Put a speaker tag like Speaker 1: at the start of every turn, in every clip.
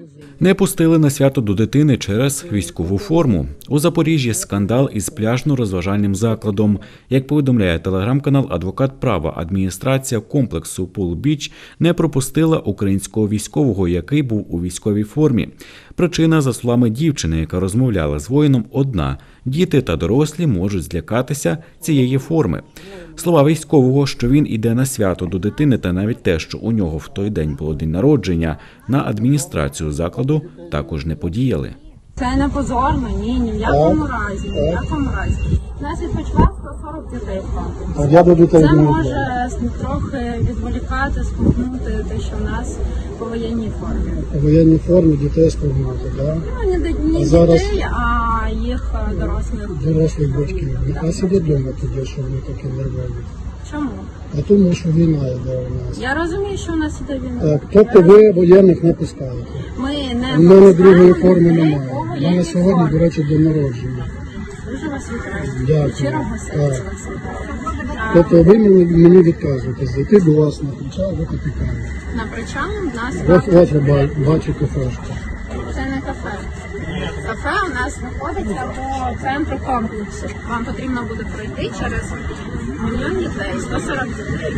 Speaker 1: Не пустили на свято до дитини через військову форму. У Запоріжжі скандал із пляжно-розважальним закладом. Як повідомляє телеграм-канал «Адвокат права», адміністрація комплексу «Пул-Біч» не пропустила українського військового, який був у військовій формі. Причина, за словами дівчини, яка розмовляла з воїном, одна – діти та дорослі можуть злякатися цієї форми. Слова військового, що він іде на свято до дитини, та навіть те, що у нього в той день було день народження, на адміністрацію закладу також не подіяли.
Speaker 2: Це не позорно, ні в якому разі, ні в якому разі. У нас відпочивав 140 дітей в комплекс. Це може трохи відволікати, спугнути те, що в нас по воєнній формі.
Speaker 3: По воєнній формі дітей спугнути, так?
Speaker 2: Ну, не дітей, а їх
Speaker 3: дорослих батьків. А сидять вдома тоді, що вони такі нервові.
Speaker 2: Чому?
Speaker 3: А тому, що війна йде у нас.
Speaker 2: Я розумію, що у нас іде війна.
Speaker 3: Так, тобто ви воєнних не пускаєте?
Speaker 2: Ми не
Speaker 3: У мене другої форми немає. У мене сьогодні, до речі, день народження.
Speaker 2: Дуже вас вітаю.
Speaker 3: Дякую.
Speaker 2: Щирого серця вас вітаю.
Speaker 3: Тобто ви мені відказуєте, зайти до вас на причал, ви капітаєте.
Speaker 2: На причал у нас...
Speaker 3: Ось ви бачите кафешку.
Speaker 2: Це не кафе. Кафе у нас знаходиться по центру комплексу. Вам потрібно буде пройти через мільйон дітей, 140 дітей.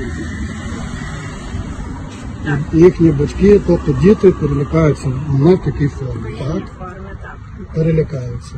Speaker 2: Так.
Speaker 3: Їхні батьки, тобто діти перелякаються не в такій формі, так? Перелякаються.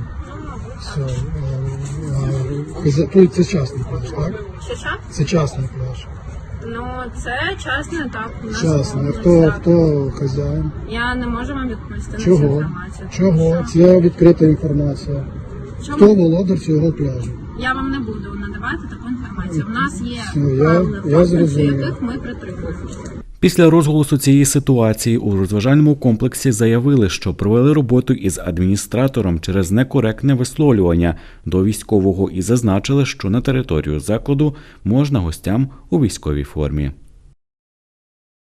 Speaker 3: Все. Це частний пляж, так?
Speaker 2: Що?
Speaker 3: Це частний пляж.
Speaker 2: Ну, це частний етап.
Speaker 3: Частний. А хто хазяїн?
Speaker 2: Я не можу вам відповісти на цю
Speaker 3: Чого?
Speaker 2: інформацію.
Speaker 3: Чого? Це відкрита інформація.
Speaker 2: Чому?
Speaker 3: Хто володар цього пляжу?
Speaker 2: Я вам не буду надавати таку інформацію. У нас є
Speaker 3: Все,
Speaker 2: правила
Speaker 3: я
Speaker 2: комплексу,
Speaker 3: зрозумів.
Speaker 2: яких ми притримуємося.
Speaker 1: Після розголосу цієї ситуації у розважальному комплексі заявили, що провели роботу із адміністратором через некоректне висловлювання до військового і зазначили, що на територію закладу можна гостям у військовій формі.